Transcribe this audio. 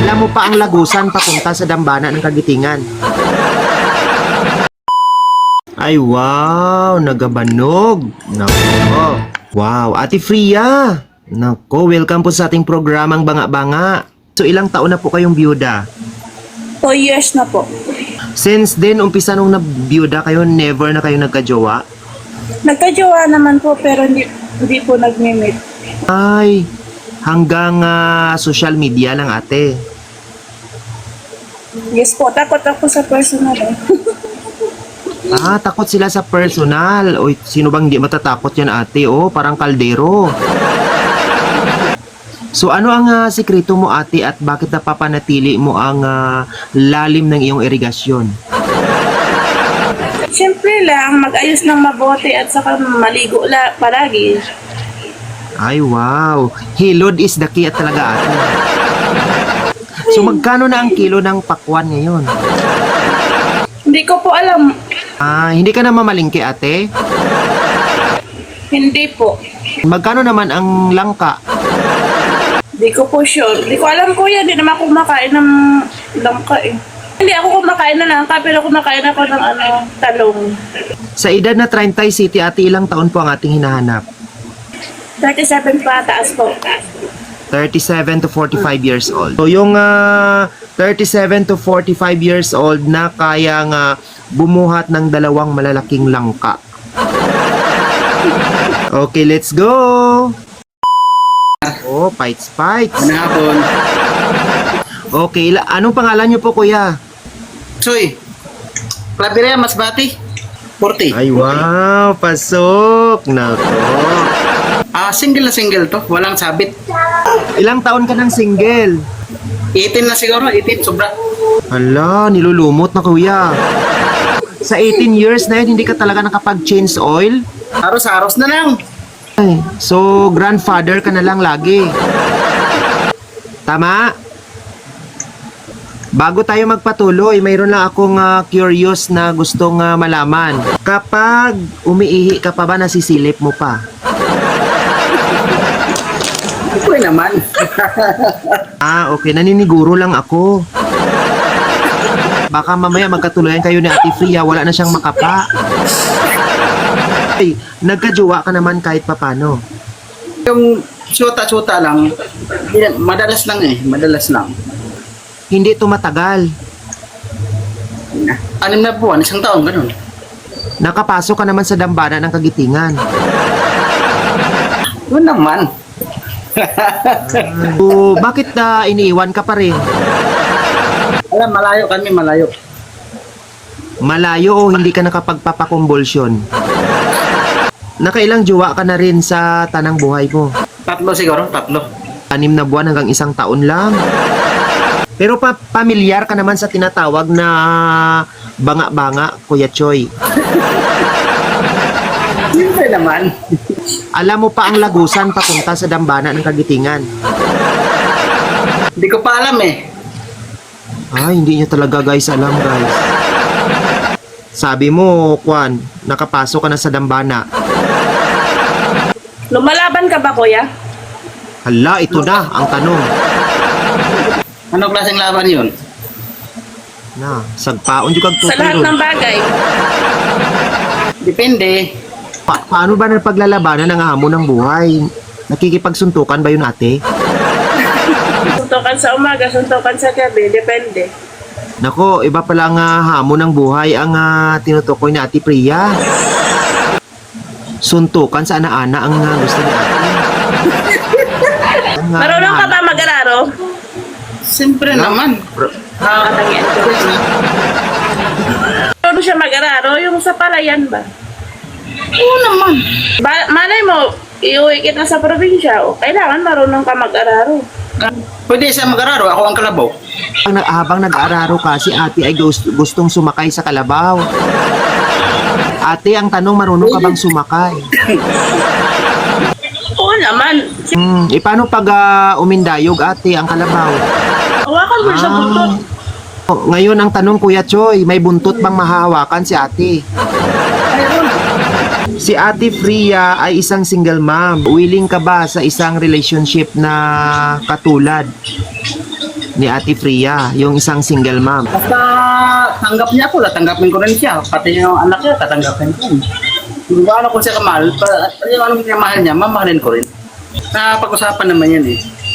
Alam mo pa ang lagusan papunta sa dambana ng Kagitingan. Ay wow, nagabanog. Nako. Wow, Ate Fria. Nako, welcome po sa ating programang Banga-Banga. So ilang taon na po kayong byuda? 2 years na po. Since then, umpisa nung nabiyuda kayo, never na kayo nagkajowa? Nagkajowa naman po pero hindi po nag-meet. Ay, hanggang social media lang ate. Yes po, takot ako sa personal eh. Takot sila sa personal. Oy, sino bang hindi matatakot yan ate? Oh, parang kaldero. So ano ang sikreto mo ate at bakit napapanatili mo ang lalim ng iyong irigasyon? Siyempre lang, mag-ayos ng mabuti at saka maligo palagi. Ay wow, hilod is the key at talaga ate. So magkano na ang kilo ng pakwan ngayon? Hindi ko po alam. Hindi ka na mamalingki ate? Hindi po. Magkano naman ang langka? Hindi ko po sure. Hindi ko alam kuya, hindi naman ako kumakain ng langka eh. Hindi ako kumakain ng langka pero kumakain ako ng talong. Sa edad na 30 City ate, ilang taon po ang ating hinahanap? 37 pa, taas po. 37 to 45 years old. So yung 37 to 45 years old na kayang bumuhat ng dalawang malalaking langka. Okay, let's go! Oh, fights. Ano hapon? Okay, anong pangalan niyo po kuya? Soy, Claveria Masbati, 40. Ay wow, pasok! Nako. Single na single to, walang sabit. Ilang taon ka ng single? 18 na siguro, 18, sobra. Hala, nilulumot na kuya. Sa 18 years na yun, hindi ka talaga nakapag-change oil? Aros-aros na lang. Ay, so, grandfather ka na lang lagi. Tama? Bago tayo magpatuloy, mayroon lang akong curious na gustong malaman. Kapag umiihi ka pa ba, nasisilip mo pa? Uy naman. Okay. Naniniguro lang ako. Baka mamaya magkatuloyan kayo ni Ate Fria, wala na siyang makapa. Ay, nagkajowa ka naman kahit papano. Yung suta-suta lang, madalas lang eh, madalas lang. Hindi ito matagal. 6 na buwan, 1 taon, ganun. Nakapasok ka naman sa dambana ng Kagitingan. Yun naman. So, bakit iniiwan ka pa rin? Alam, malayo kami, malayo. Malayo o hindi ka nakapagpapakumbulsyon? Nakailang jowa ka na rin sa tanang buhay mo? 3 siguro, 3. 6 na buwan hanggang 1 taon lang. Pero pamilyar ka naman sa tinatawag na banga-banga, Kuya Choy. Siyempre naman. Alam mo pa ang lagusan papunta sa dambana ng Kagitingan. Hindi ko pa alam eh. Hindi niya talaga guys alam guys. Sabi mo, Kwan, nakapasok ka na sa dambana. Lumalaban ka ba kuya? Hala, ito na ang tanong. Ano klaseng laban yun? Sagpaon yung Sa lahat kagtutulo. ng bagay. Depende. Paano ba ng paglalabanan ng hamon ng buhay? Nakikipagsuntukan ba yun ate? Suntukan sa umaga, suntukan sa gabi, depende. Nako, iba pala nga hamon ng buhay ang tinutukoy ni Ate Priya. Suntukan sa ana-ana ang gusto ni Ate. Marunong ka ba mag-araro? Siyempre naman. Marunong siya mag-araro, yung sa palayan ba? Oo naman. Malay mo, iuwi kita sa probinsya, kailangan marunong ka mag-araro. Pwede siya mag-araro, ako ang kalabaw. Habang nag-aararo ka, si Ate ay gustong sumakay sa kalabaw. Ate, ang tanong, marunong ka bang sumakay? Oo naman. Paano pag umindayog, Ate, ang kalabaw? Hawakan mo sa buntot. Ngayon ang tanong, Kuya Choy, may buntot bang mahahawakan si Ate? Si Ate Fria ay isang single mom. Willing ka ba sa isang relationship na katulad ni Ate Fria, yung isang single mom. Basta tanggap niya ako, tatanggapin ko rin siya. Pati yung anak niya, tatanggapin ko. Kung ano ko siya kamahal, yung ano niya mahal niya, mamahalin ko rin. Napag-usapan naman yan eh.